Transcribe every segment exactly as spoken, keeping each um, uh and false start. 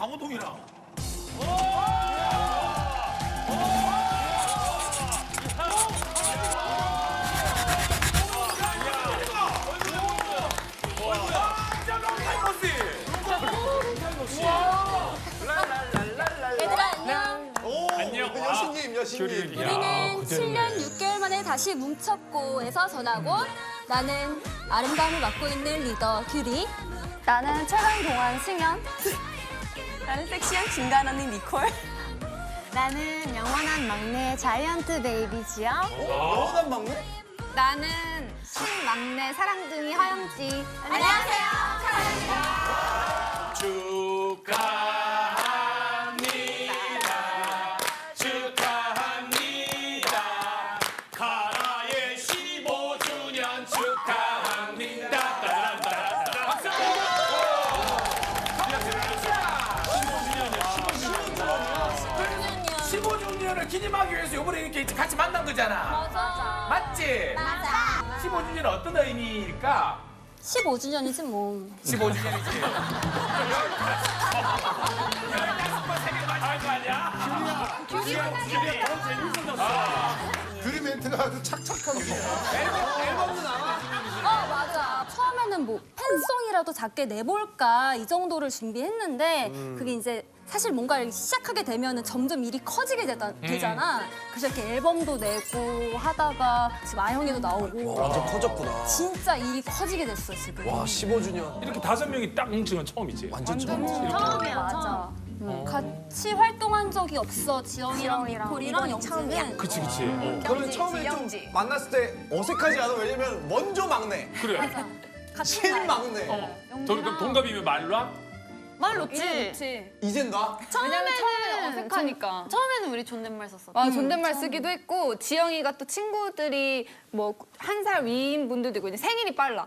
강호동이랑. 얘들아 안녕. 안녕. 여신님, 여신님. 우리는 칠 년 육 개월 만에 다시 뭉쳤고에서 전하고 나는 아름다움을 맡고 있는 리더 규리. 나는 최강 동안 승현. 나는 섹시한 중간 언니 니콜. 나는 영원한 막내 자이언트 베이비 지영. 영원한 막내? 나는 신막내 사랑둥이 하영지. 안녕하세요. 축하합니다. 축하합니다. 카라의 십오 주년 축하합니다. 따란따란. 박수! 십오 주년을 기념하기 위해서 이번에 이렇게 같이 만난 거잖아. 맞아. 맞지? 맞아. 십오 주년은 어떤 의미일까? 십오 주년이지 뭐. 십오 주년이지. 할거 아니야? 규리야, 규리야, 너무 재밌어졌어. 규리 멘트가 아주 착착하고. 앨범도 나와. 어 맞아. 처음에는 뭐 팬송이라도 작게 내볼까 이 정도를 준비했는데 그게 이제 사실 뭔가를 시작하게 되면은 점점 일이 커지게 되다, 되잖아. 그래서 이렇게 앨범도 내고 하다가 지금 아영이도 나오고 완전 커졌구나. 진짜 일이 커지게 됐어 지금. 와, 십오 주년. 이렇게 다섯 명이 딱 뭉친 건 처음이지. 완전 처음. 처음이야 맞아. 응. 같이 활동한 적이 없어 지영이랑 니콜이랑 영지는. 그치 그치. 어. 그러면 처음에 좀 만났을 때 어색하지 않아? 왜냐면 먼저 막내, 그래. 같은 날. 신막내. 동, 그럼 동갑이면 말라? 말 놓지. 이젠 나? 왜냐면 처음에는 어색하니까. 처음에는 우리 존댓말 썼어. 아, 존댓말 쓰기도 했고 지영이가 또 친구들이 뭐 한 살 위인 분들도 있고 이제 생일이 빨라.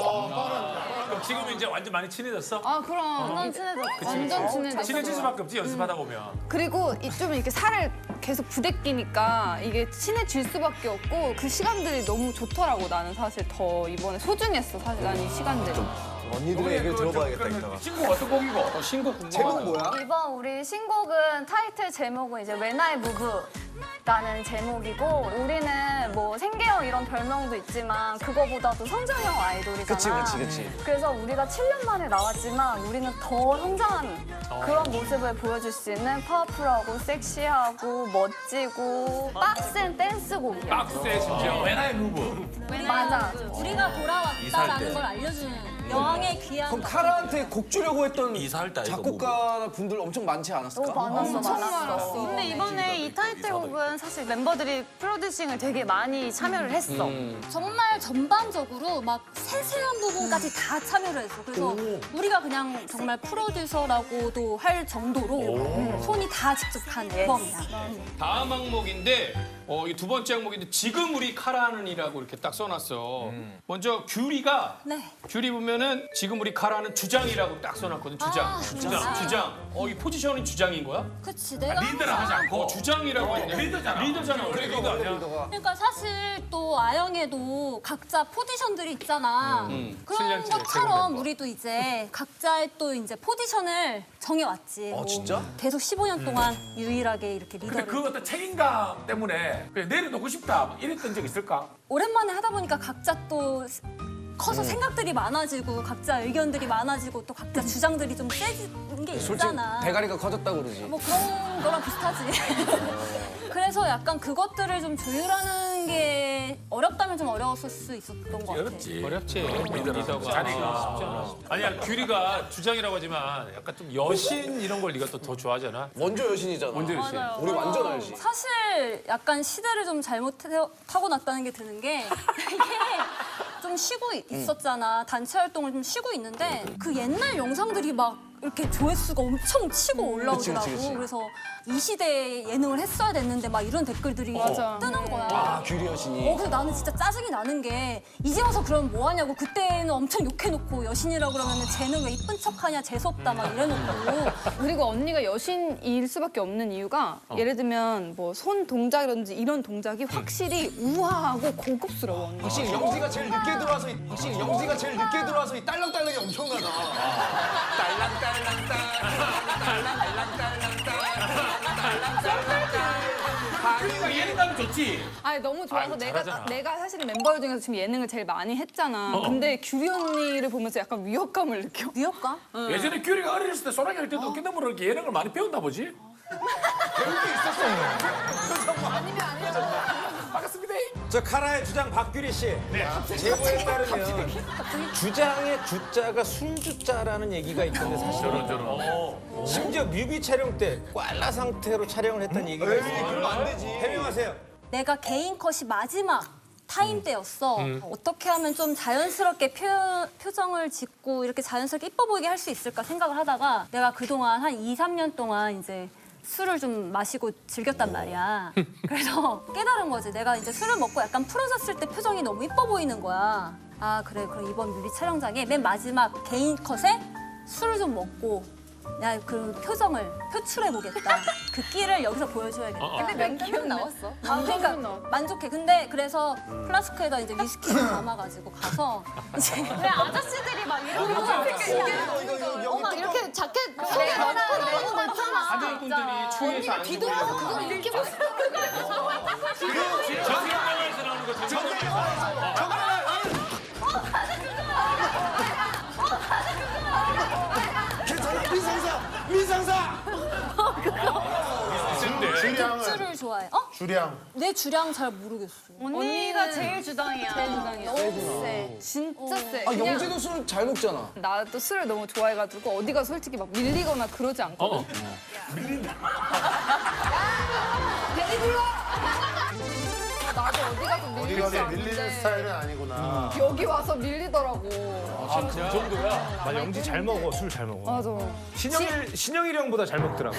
그럼 지금은 이제 완전 많이 친해졌어? 아 그럼 완전 친해졌어. 완전 친해졌어. 친해질 수밖에 없지 연습하다 보면. 그리고 이- 좀 이렇게 살을 계속 부대끼니까 이게 친해질 수밖에 없고 그 시간들이 너무 좋더라고. 나는 사실 더 이번에 소중했어. 사실 난 이 시간들이. 언니들의 얘기를 들어봐야겠다, 이따가. 친구 어떤 곡이고? 어, 신곡 궁금하다. 제목 뭐야? 이번 우리 신곡은 타이틀 제목은 이제 When I Move라는 제목이고 우리는 뭐 생계형 이런 별명도 있지만 그거보다도 성장형 아이돌이잖아. 그치, 그치, 그치. 그래서 우리가 칠 년 만에 나왔지만 우리는 더 성장한 어. 그런 모습을 보여줄 수 있는 파워풀하고 섹시하고 멋지고 빡센 댄스곡이야. 박스에 심지어. When I Move. 맞아. 우리가 돌아왔다라는 걸 알려주는 여왕의 귀한. 그럼 카라한테 곡 주려고 했던 이사할 때 아이가 작곡가 분들 엄청 많지 않았을까? 너무 많았어, 엄청 많았어. 많았어. 근데 이번에 이 타이틀곡은 사실 멤버들이 프로듀싱을 되게 많이 참여를 했어. 정말 전반적으로 막 세세한 부분까지 다 참여를 했어. 그래서 우리가 그냥 정말 프로듀서라고도 할 정도로 손이 다 직접 간 앨범이야. 다음 항목인데 어, 이 두 번째 항목인데 지금 우리 카라는이라고 이렇게 딱 써놨어. 먼저 규리가 네. 규리 보면은 지금 우리 카라는 주장이라고 딱 써놨거든. 주장, 아, 주장, 주장. 주장. 어, 이 포지션은 주장인 거야? 그치 내가 리드를 하지 않고. 어, 주장이라고 했네. 리더잖아. 리더잖아. 원래 리더 아니야? 그러니까 사실 또 아영에도 각자 포지션들이 있잖아. 칠 그런 년째 최근 것처럼 멤버. 우리도 이제 각자의 또 이제 포지션을 정해왔지. 뭐 진짜? 계속 십오 년 동안 유일하게 이렇게 근데 리더를. 그 어떤 책임감 때문에 그냥 내려놓고 싶다 뭐 이랬던 적 있을까? 오랜만에 하다 보니까 각자 또 커서 생각들이 많아지고 각자 의견들이 많아지고 또 각자 주장들이 좀 세진 게 솔직히 있잖아. 대가리가 커졌다고 그러지. 뭐 그런 거랑 비슷하지. 그래서 약간 그것들을 좀 조율하는 게 어렵다면 좀 어려웠을 수 있었던 것 같아. 어렵지. 어렵지. 리더가 자리가 쉽지 않아. 아니야 규리가 주장이라고 하지만 약간 좀 여신 이런 걸 네가 또 더 좋아하잖아. 원조 여신이잖아. 원조 여신. 우리 완전 알지. 사실 약간 시대를 좀 잘못 타고 났다는 게 드는 게 이게 좀 쉬고 있었잖아. 단체 활동을 좀 쉬고 있는데 그 옛날 영상들이 막 이렇게 조회수가 엄청 치고 올라오더라고. 그치, 그치, 그치. 그래서 이 시대에 예능을 했어야 됐는데 막 이런 댓글들이 뜨는 거야. 아, 규리 여신이. 어, 그래서 나는 진짜 짜증이 나는 게 이제 와서 그러면 뭐 하냐고. 그때는 엄청 욕해놓고 여신이라고 그러면 쟤는 왜 이쁜 척하냐 재수없다 막 이래놓고. 그리고 언니가 여신일 수밖에 없는 이유가 예를 들면 뭐 손 동작이라든지 이런 동작이 확실히 우아하고 고급스러워. 언니. 확실히 영지가 제일 늦게 들어와서 이- 확실히 영지가 제일 늦게 들어와서 이 딸랑딸랑이 엄청나다. 딸랑딸랑딸. 큐리가 예능감이 좋지. 아니 너무 좋아서 아이고, 내가 잘하잖아. 내가 사실은 멤버 중에서 지금 예능을 제일 많이 했잖아. 근데 규리 언니를 보면서 약간 위협감을 느껴. 위협감? 예전에 큐리가 어렸을 때 소랑이 할 때도 어깨너머로 이렇게 예능을 많이 배웠나 보지? 반갑습니다. 저 카라의 주장 박규리 씨. 제보에 따르면 주장의 주자가 순주자라는 얘기가 있던데 사실은 저런. 심지어 뮤비 촬영 때 꽐라 상태로 촬영을 했다는 얘기가 있어요. 그러면 안 되지. 해명하세요. 내가 개인 컷이 마지막 타임 때였어. 어떻게 하면 좀 자연스럽게 표, 표정을 짓고 이렇게 자연스럽게 이뻐 보이게 할 수 있을까 생각을 하다가 내가 그동안 한 이, 삼 년 동안 이제 술을 좀 마시고 즐겼단 말이야. 그래서 깨달은 거지. 내가 이제 술을 먹고 약간 풀어졌을 때 표정이 너무 이뻐 보이는 거야. 아 그래 그럼 이번 뮤비 촬영장에 맨 마지막 개인 컷에 술을 좀 먹고 야 그 표정을 표출해 보겠다. 그 끼를 여기서 보여줘야겠다. 근데 몇 기억 나왔어? 아, 그러니까 만족해. 근데 그래서 플라스크에다 이제 위스키를 담아가지고 가서 이제 왜 아저씨들이 막 이런 거 어, 막 이렇게 자켓 속에 넣고 나오는 거 있잖아. 하늘분들이 추위에서 안 뒤돌아서 그걸 이렇게 막 정경영에서 나오는 거 정경영에서. 괜찮아 미상사 미상사. 주량을 술을 좋아해. 어? 주량. 내 주량 잘 모르겠어. 언니가 제일 주당이야. 제일 주당이야. 너무 세. 진짜 세. 아 그냥 영재도 술 잘 먹잖아. 나도 술을 너무 좋아해가지고 어디가 솔직히 막 밀리거나 그러지 않거든. 어. 나도 어디 가서 밀릴 어디가 줄 밀리는 아는데 스타일은 아니구나. 여기 와서 밀리더라고. 아, 그 정도야? 나 영지 잘 먹어, 술 잘 먹어. 맞아. 신영일 신영일 형보다 잘 먹더라고.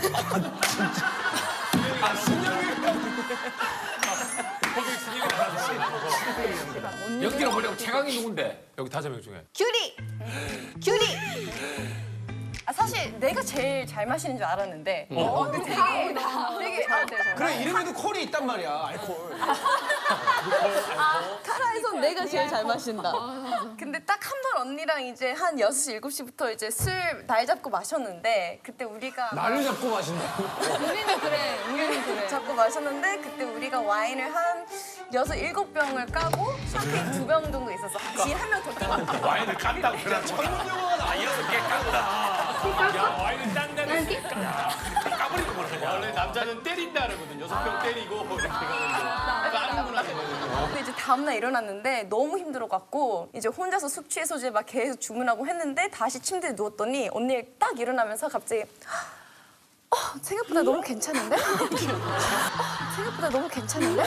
연기가 뭐냐고 최강이 누군데? 여기 다섯 명 중에. 규리! 규리! 아, 사실 내가 제일 잘 마시는 줄 알았는데 어, 되게 되게 아, 그래 이름에도 콜이 있단 말이야 알콜. 카라에선 내가 제일 잘 마신다. 근데 딱 한 번 언니랑 이제 한 여섯 시, 일곱 시부터 이제 술 날 잡고 마셨는데 그때 우리가 날을 잡고 마신다. 우리는 그래. 우리는 그래. 잡고 마셨는데 그때 우리가 와인을 한 여섯, 일곱 병을 까고 샴페인 두 병 정도 있었어. 뒤에 한 명 더 끼고. 와인을 깐다고. 그래. 전문 용어가 나와. 여섯 개 깐다. 야, 와인을 딴다는 까버리고 뭐라 원래 남자는 때린다 그러거든. 여섯 병 때리고 이렇게 가는데 까는구나. 근데 이제 다음날 일어났는데 너무 힘들어갖고 이제 혼자서 숙취 해소제 막 계속 주문하고 했는데 다시 침대에 누웠더니 언니 딱 일어나면서 갑자기 어, 생각보다 너무 괜찮은데? 어, 생각보다 너무 괜찮은데?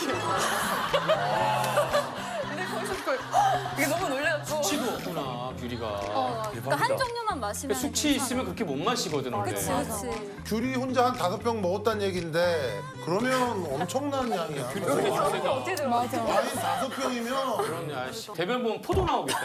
근데 거기서 그걸 이게 너무 놀래갖고 숙취도 없구나, 규리가. 어, 그러니까 한 종류만 마시면 숙취 괜찮아. 있으면 그렇게 못 마시거든, 원래. 그치 그치. 귤이 혼자 한 다섯 병 먹었다는 얘긴데 그러면 엄청난 양이야. 맞아. 와인 다섯 병이면 그럼요, 아이씨. 대변 보면 포도 나오겠다.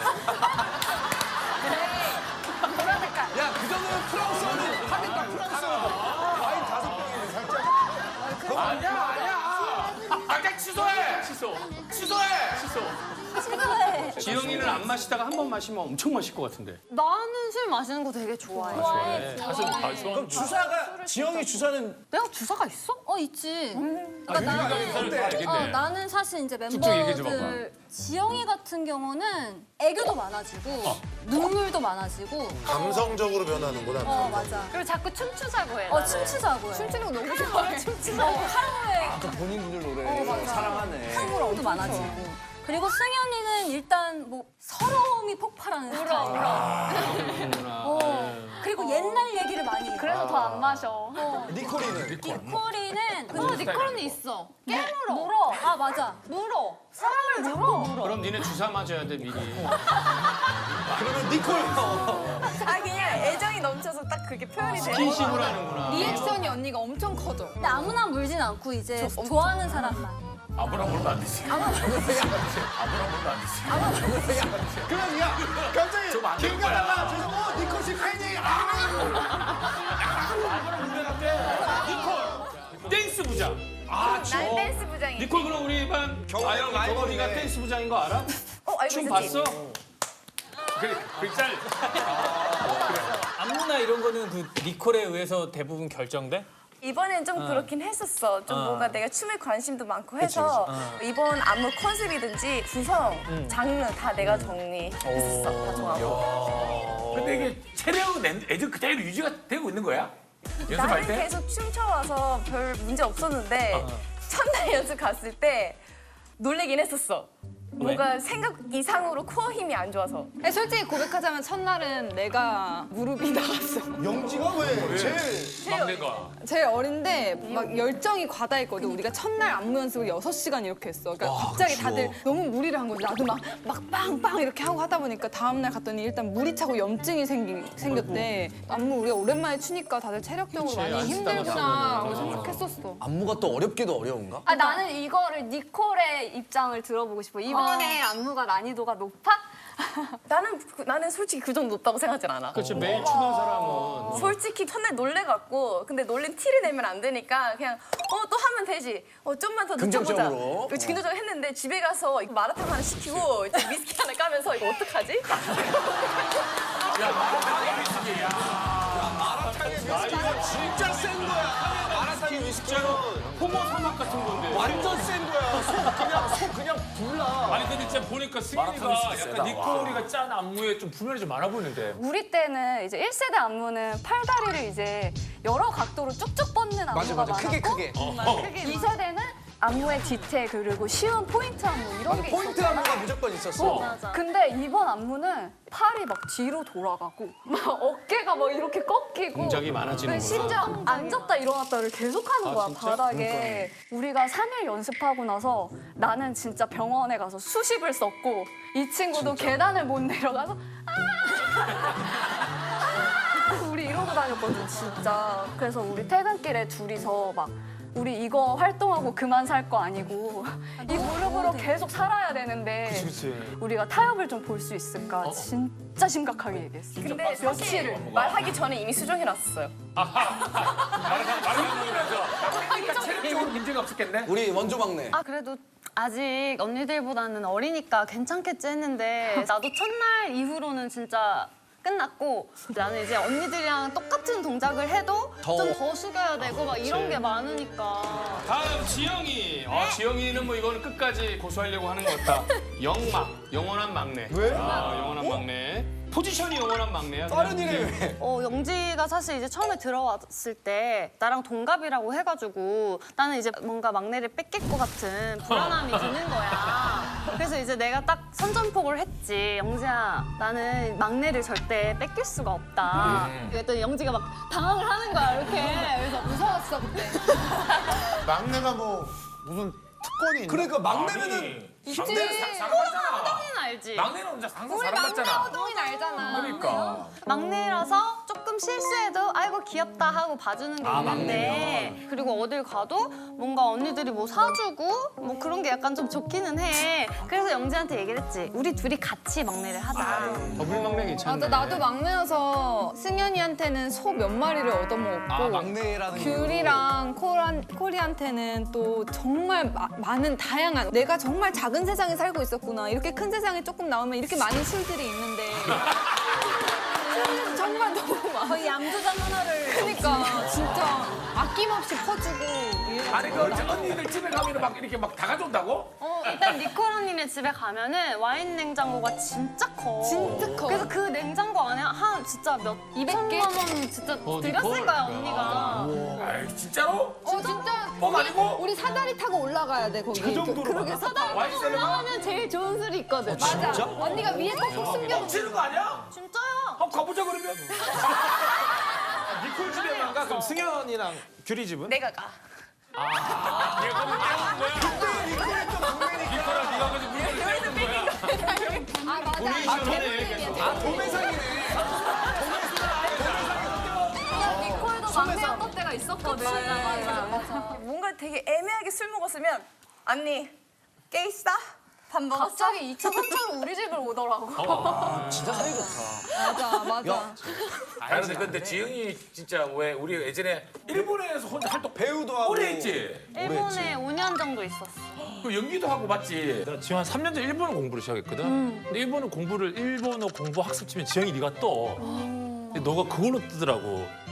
야 그 정도면 프랑스어는 하겠다 프랑스어. 와인 다섯 병이네 살짝. 아니야, 아니야. 아까 취소해. 취소. 취소해. 취소. 친구해. 지영이는 안 마시다가 한 번 마시면 엄청 마실 것 같은데. 나는 술 마시는 거 되게 좋아해. 좋아해. 다섯 아, 좋아. 주사가 지영이 주사는 내가 주사가 있어? 어 있지. 아, 유리가 의사를 다 알겠네. 어, 나는 사실 이제 쭉쭉 얘기해 줘봐. 멤버들 지영이 같은 경우는 애교도 많아지고 눈물도 많아지고 감성적으로 변하는구나. 어 맞아. 그리고 자꾸 춤추자고 해. 어 춤추자고 해. 춤추는 거 너무 좋아해. 춤추자고 하루에 아까 본인들 노래 어, 맞아. 사랑하네. 한국어도 많아지고. 그리고 승현이는 일단 뭐 서러움이 폭발하는 스타일. 그렇구나. 어. 그리고 옛날 얘기를 많이 해. 그래서 더 안 마셔. 니콜이는 니콜이는 어, 니콜은 있어. 깨물어. 물어. 아 맞아. 물어. 사람을 물어. 그럼 니네 주사 맞아야 돼, 미리. 그러면 니콜. 아 그냥 애정이 넘쳐서 딱 그게 표현이 되는 스킨십을 하는구나. 리액션이 언니가 엄청 커져. 근데 아무나 물진 않고 이제 좋아하는 사람만. 아무나 물면 안 되지. 아무나 물면 안 되지. 그럼 야 갑자기 좀안 길 될 거야. 가다가 저기서 어 니콜 씨 팬이 아. 니콜. 댄스 부장. 아, 난 저. 댄스 부장이. 니콜 그럼 우리 반 아영 경원이가 댄스 부장인 거 알아? 어 알고 춤 있었지. 봤어? 그래, 그 짤. 안무나 이런 거는 그 니콜에 의해서 대부분 결정돼? 이번엔 좀 그렇긴 했었어. 좀 뭔가 내가 춤에 관심도 많고 해서 이번 안무 컨셉이든지 구성, 장르 다 내가 정리했었어. 다 정하고. 근데 이게 체력은 애들 그대로 유지가 되고 있는 거야? 연습할 나는 때? 계속 춤춰와서 별 문제 없었는데 첫날 연습 갔을 때 놀래긴 했었어. 뭔가 생각 이상으로 코어 힘이 안 좋아서. 아니, 솔직히 고백하자면 첫날은 내가 무릎이 나갔어. 영지가 왜 제일 막내가. 제일 어린데 막 열정이 과다했거든. 우리가 첫날 안무 연습을 여섯 시간 이렇게 했어. 그러니까 갑자기 다들 너무 무리를 한 거지. 나도 막, 막 빵빵 이렇게 하고 하다 보니까 다음날 갔더니 일단 물이 차고 염증이 생기, 생겼대. 안무 우리가 오랜만에 추니까 다들 체력적으로 많이 힘들구나 라고 생각했었어. 안무가 또 어렵기도 어려운가? 아, 나는 이거를 니콜의 입장을 들어보고 싶어. 이번에 안무가 난이도가 높아? 나는 그- 나는 솔직히 그 정도 높다고 생각하진 않아. 그렇지 매일 추는 사람은 솔직히 첫날 놀래갖고 근데 놀린 티를 내면 안 되니까 그냥 어 또 하면 되지. 어 좀만 더 늦춰보자. 긍정적으로. 그렇지, 긍정적으로 했는데 집에 가서 이거 마라탕 하나 시키고 이제 위스키 하나 까면서 이거 어떡하지? 진짜 센 거야. 마라탕이 위스키는 호모 사막 같은 건데. 완전 센 거야. 속 그냥 속 그냥 불나. 아니 근데 진짜 보니까 승현이가 마라탕이 진짜 약간 세다. 니콜이가 짠 안무에 좀 분면이 좀 많아 보이는데. 우리 때는 이제 일 세대 안무는 팔다리를 이제 여러 각도로 쭉쭉 뻗는 안무가 맞아 맞아. 많았고 크게 크게. 이 세대는 안무의 디테일 그리고 쉬운 포인트 안무 이런 게 포인트 있었잖아. 안무가 무조건 있었어. 맞아. 근데 이번 안무는 팔이 막 뒤로 돌아가고 막 어깨가 막 이렇게 꺾이고 동작이 많아지는구나. 심지어 앉았다 일어났다를 계속하는 거야 바닥에. 우리가 삼 일 연습하고 나서 나는 진짜 병원에 가서 수십을 썼고 이 친구도 계단을 못 내려가서 아! 우리 이러고 다녔거든 진짜. 그래서 우리 퇴근길에 둘이서 막 우리 이거 활동하고 그만 살 거 아니고 이 무릎으로 계속 살아야 되는데 우리가 타협을 좀 볼 수 있을까 진짜 심각하게 얘기했어. 근데 며칠 말하기 전에 이미 수정해 놨었어요. 그러니까 체력적으로 문제가 없었겠네. 우리 원조 막내. 아 그래도 아직 언니들보다는 어리니까 괜찮겠지 했는데 나도 첫날 이후로는 진짜 끝났고 나는 이제 언니들이랑 똑같은 동작을 해도 더. 좀 더 숙여야 되고 막 이런 게 많으니까 다음 지영이. 아, 지영이는 뭐 이거는 끝까지 고수하려고 하는 것 같다. 영막, 영원한 막내. 왜? 아, 영원한 막내. 포지션이 영원한 막내야. 다른 그냥. 일에 왜? 어, 영지가 사실 이제 처음에 들어왔을 때 나랑 동갑이라고 해가지고 나는 이제 뭔가 막내를 뺏길 것 같은 불안함이 드는 거야. 그래서 이제 내가 딱 선전포고를 했지. 영지야, 나는 막내를 절대 뺏길 수가 없다. 그랬더니 영지가 막 당황을 하는 거야, 이렇게. 그래서 무서웠어, 그때. 막내가 뭐 무슨 특권이 있나? 그러니까 막내면은 있지. 사랑받잖아. 호동이는 알지? 막내는 혼자 항상 우리 막내 사랑받잖아. 호동이는 알잖아. 그러니까. 막내라서 조금 실수해도 아이고 귀엽다 하고 봐주는 게 있는데 그리고 어딜 가도 뭔가 언니들이 뭐 사주고 뭐 그런 게 약간 좀 좋기는 해. 그래서 영지한테 얘기를 했지. 우리 둘이 같이 막내를 하자. 더블 막내 괜찮네. 맞아, 나도 막내여서 승현이한테는 소 몇 마리를 얻어먹었고 아 막내라는 게. 귤이랑 콜한, 콜이한테는 또 정말 마- 많은 다양한 내가 정말 작은 세상에 살고 있었구나. 이렇게 큰 세상에 조금 나오면 이렇게 많은 술들이 있는데 정말 너무 많아. 거의 양조장 하나를 그러니까 진짜 아낌없이 퍼주고 이래가지고 아니 그 언니들 집에 가면 막 이렇게 막 다 가져온다고? 어, 일단 니콜 언니네 집에 가면은 와인 냉장고가 진짜 커. 진짜 커. 그래서 그 냉장고 안에 한 진짜 몇 이백 개? 천만 원 진짜 어, 들였을 니콜. 거야 언니가. 아이 진짜로? 어 진짜 뻥 아니고? 우리 사다리 타고 올라가야 돼 거기. 그 정도로 그러게 막 사다리 와인 타고 셀러가? 올라가면 제일 좋은 술이 있거든. 맞아. 언니가 위에 꼭꼭 숨겨놓고. 멈추는 거 아니야? 진짜야. 한번 가보자 그러면. 니콜 집에 만 가. 그럼 승현이랑 규리 집은? 내가 가. 얘가 뭐 깨우는 거야? 니콜아 네가 그래서 물건을 깨우는 거야. 아 맞아. 도네이션하네 계속. 아 도매상이네. 니콜도 막내였던 때가 있었거든. 맞아, 맞아. 뭔가 되게 애매하게 술 먹었으면 언니 깨 있어? 밥 먹었어? 갑자기 이 차, 삼 차로 우리 집을 오더라고. 진짜 사이 좋다. 맞아 맞아. 아니 근데, 근데 지영이 진짜 왜 우리 예전에 일본에서 혼자 활동 배우도 하고. 오래 했지? 일본에 오 년 정도 있었어. 그 연기도 하고 맞지? 나 지영 한 삼 년 전에 일본어 공부를 시작했거든. 근데 일본어 공부를 일본어 공부 학습 치면 지영이 네가 떠. 근데 너가 그걸로 뜨더라고.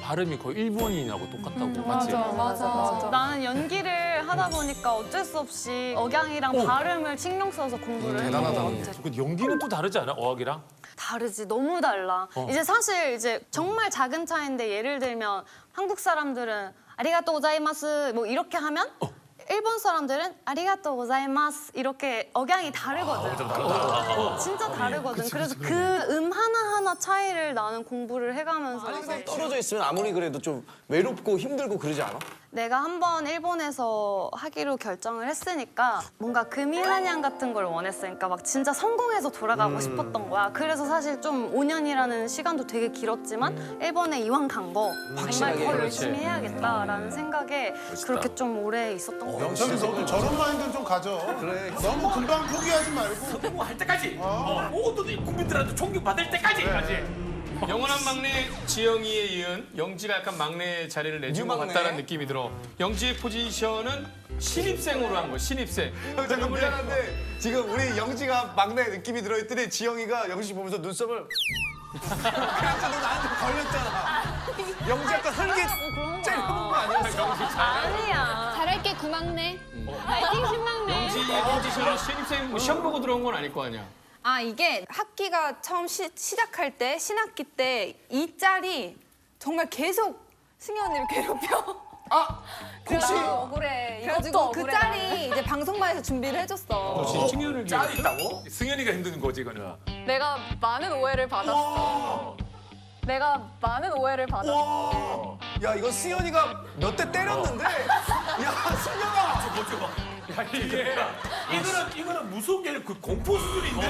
발음이 거의 일본인하고 똑같다고. 맞지? 맞아, 맞아. 나는 연기를 하다 보니까 어쩔 수 없이 억양이랑 발음을 신경 써서 공부를 했던 것 같아. 그 연기는 또 다르지 않아? 어학이랑? 다르지, 너무 달라. 이제 사실 이제 정말 작은 차이인데 예를 들면 한국 사람들은 아리가또 고자이마스 뭐 이렇게 하면 일본 사람들은 아리가또 고자이마스 이렇게 억양이 다르거든. 어, 진짜 다르거든. 그래서 그 음 하나하나 차이를 나는 공부를 해가면서 떨어져 있으면 아무리 그래도 좀 외롭고 힘들고 그러지 않아? 내가 한번 일본에서 하기로 결정을 했으니까 뭔가 금이한양 같은 걸 원했으니까 막 진짜 성공해서 돌아가고 싶었던 거야. 그래서 사실 좀 오 년이라는 시간도 되게 길었지만 일본에 이왕 간 거 정말 확실하게, 더 그렇지. 열심히 해야겠다라는 생각에 그렇게 좀 오래 있었던 것 같아. 영철이 너도 저런 마인드는 좀 가져. 그래. 너무 금방 포기하지 말고. 성공할 때까지. 어. 모든 국민들한테 존경받을 때까지. 까지. 영원한 막내 지영이에 이은 영지가 약간 막내 자리를 내준 것 유막내. 같다는 느낌이 들어. 영지의 포지션은 신입생으로 한 거, 신입생. 형 잠깐 미안한데 지금 우리 영지가 막내 느낌이 들어있더니 지영이가 영지 씨 보면서 눈썹을 그래서 너 나한테 걸렸잖아. 영지 약간 설계 째려본 거 아니었어? 아니야. 잘할게 구막내. 파이팅 신막내. 영지의 포지션은 신입생 뭐 시험 보고 들어온 건 아닐 거 아니야. 아 이게 학기가 처음 시, 시작할 때 신학기 때 이 짤이 정말 계속 승희 언니를 괴롭혀. 아 혹시 억울해. 그래가지고 그 짤이 이제 방송반에서 준비를 해줬어. 승현을 짤이 있다고? 승현이가 힘든 거지, 이거는. 내가 많은 오해를 받았어. 내가 많은 오해를 받았어. 야 이거 승현이가 몇 대 때렸는데 야 승현아 야, 이게 이거는 이거는 무서운 게 아니라 그 공포 수준인데.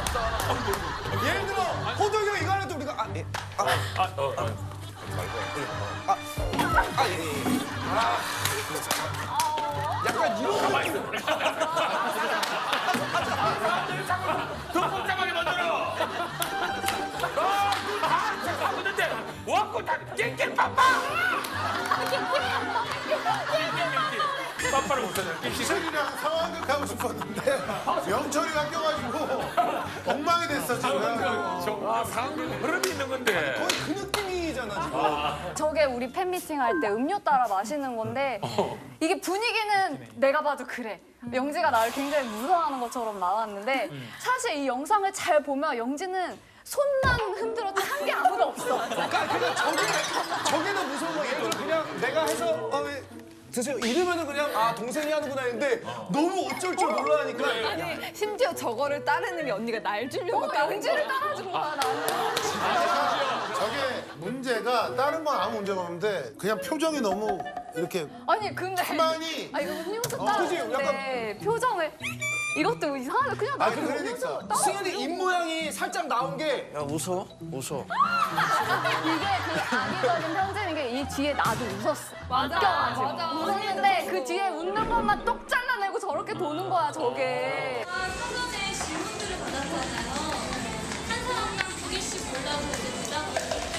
예를 들어 호동이 형 이거 하는데 우리가 아, 예, 아, 아, 어, 어. 아, 아, 예, 예. 아, 약간 이런 가만히 있어. 더 복잡하게 만들어. 아, 그다 하는데 와꾸 다 깽깽 빠빠. 빠빠를 못하냐. 희철이랑 상황극 하고 싶었는데 영철이가 껴가지고 엉망이 됐어 지금. 아, 상황극 흐름이 있는 건데. 거의 그 느낌이잖아 지금. 저게 우리 팬미팅 할 때 음료 따라 마시는 건데 이게 분위기는 내가 봐도 그래. 영지가 나를 굉장히 무서워하는 것처럼 나왔는데 사실 이 영상을 잘 보면 영지는 손만 흔들어도 한 게 아무도 없어. 그러니까 그냥 저게 저게 더 무서운 거. 예를 들어 그냥 내가 해서 어, 왜 드세요 이러면은 그냥 아 동생이 하는구나 했는데 너무 어쩔 줄 몰라 하니까 아니 심지어 저거를 따르는 게 언니가 날 주려고 어, 따른 영지를 거야. 따라준 거야 나는. 저게 문제가 다른 건 아무 문제가 없는데 그냥 표정이 너무 이렇게 아니 근데 가만히. 아니 이거 음료수 어, 그지? 따라주는데 표정을 이것도 이상하다. 그냥 아, 나도 그 음료수 그러니까. 따라. 승현이 입 모양이 살짝 나온 게 야 웃어 웃어 이게 그 악의적인 편지는 게 이 뒤에 나도 웃었어. 맞아, 웃겨가지고. 맞아. 웃었는데 그 뒤에 웃는 것만 똑 잘라내고 저렇게 도는 거야 저게. 사전에 질문들을 받았잖아요. 한 사람당 두 개씩 골라서 이제 대답을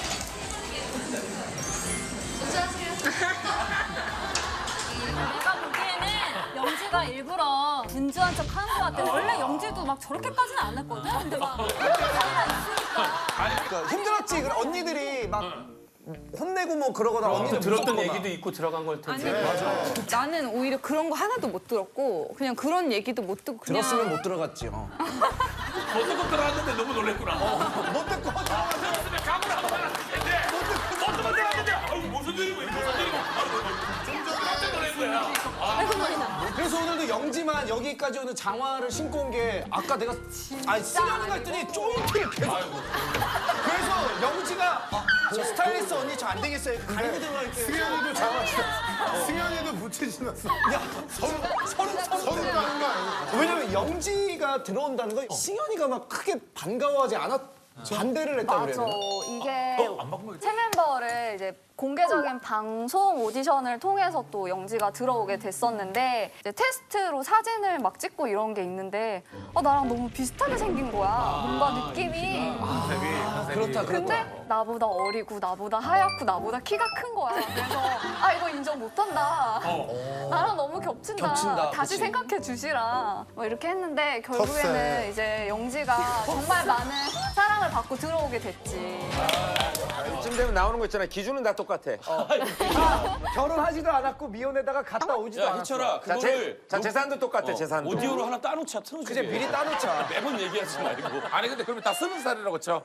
먼저 하세요. 내가 보기에는 영지가 일부러 분주한 척 하는 것 같아. 원래 영지도 막 저렇게까지는 안 했거든. 근데 막 자기가 있으니까. 그러니까 힘들었지. 그래, 언니들이 막 혼내고 뭐 그러거나 언니들 들었던 무섭거나. 얘기도 있고 들어간 걸 텐데. 나는 오히려 그런 거 하나도 못 들었고 그냥 그런 얘기도 못 듣고 그냥 들었으면 못 들어갔지. 어. 못 듣고 들어왔는데 너무 놀랬구나. 못 듣고 들어갔어. 들었으면 감을 안 받았는데 못 듣고 들어왔는데 아유 무슨 일이고 무슨 일이고 좀 깜짝 놀란 거야. 그래서 오늘도 영지만 여기까지 오는 장화를 신고 온 게 아까 내가 아니 쓰려는 했더니 조인트를 계속 그래서 영지가 아, 저 스타일리스트 언니 저 안 되겠어요 가리고 들어갈게요. 승현이도 잡았어. 승현이도 부채 지났어. 야 서로 서로 서로 서로 까는 거 아니야? 왜냐면 영지가 들어온다는 건 승현이가 막 크게 반가워하지 않았 반대를 했다 맞아. 그래요. 이게 안 바꾸면 새 멤버를 이제 공개적인 방송 오디션을 통해서 또 영지가 들어오게 됐었는데 이제 테스트로 사진을 막 찍고 이런 게 있는데 아, 나랑 너무 비슷하게 생긴 거야. 뭔가 느낌이. 그렇다 그렇다. 근데 나보다 어리고 나보다 하얗고 나보다 키가 큰 거야. 그래서 아 이거 인정 못한다. 나랑 너무 겹친다. 겹친다, 다시 그치. 생각해 주시라. 뭐 이렇게 했는데 컸어요. 결국에는 이제 영지가 정말 많은 사랑을 받고 들어오게 됐지. 이쯤 되면 나오는 거 있잖아. 기준은 다 똑같아. 결혼하지도 않았고 미혼에다가 갔다 오지도 야 않았어. 희철아 자, 그거를 재, 자 재산도 똑같아. 재산도. 오디오로 하나 따놓자 틀어주게. 그냥 미리 따놓자. 매번 얘기하지 말고. 아니 근데 그러면 다 스무 살이라고 쳐.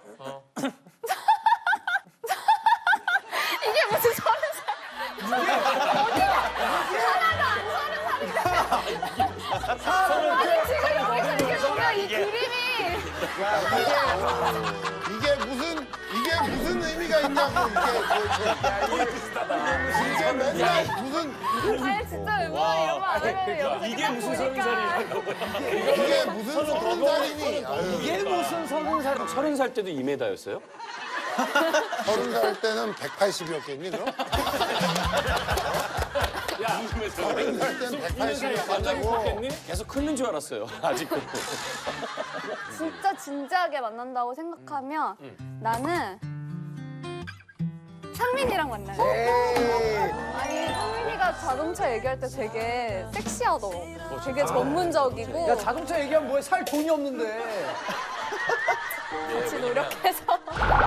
이게 무슨 서른 살? 아니 지금 여기서 이게 뭐야 이 그림이. 이게 무슨 이게 무슨 의미가 있냐고 이게 이게 맨날 무슨 아니 진짜 웬만하면 이런 말안 하면 여기서 이게 무슨 서른 살이냐고. 이게 무슨 서른 살이니? 아유, 이게 무슨 서른 살? 서른 살 때도 이 미터였어요? 서른 살 때는 백팔십이었겠니 그럼? 야, 서른 살 때는 백팔십이었다고. 계속 크는 줄 알았어요. 아직도. 진짜 진지하게 만난다고 생각하면 나는 상민이랑 만나요. 아니 상민이가 자동차 얘기할 때 되게 섹시하더라고. 되게 전문적이고 야 자동차 얘기하면 뭐해? 살 돈이 없는데. 같이 노력해서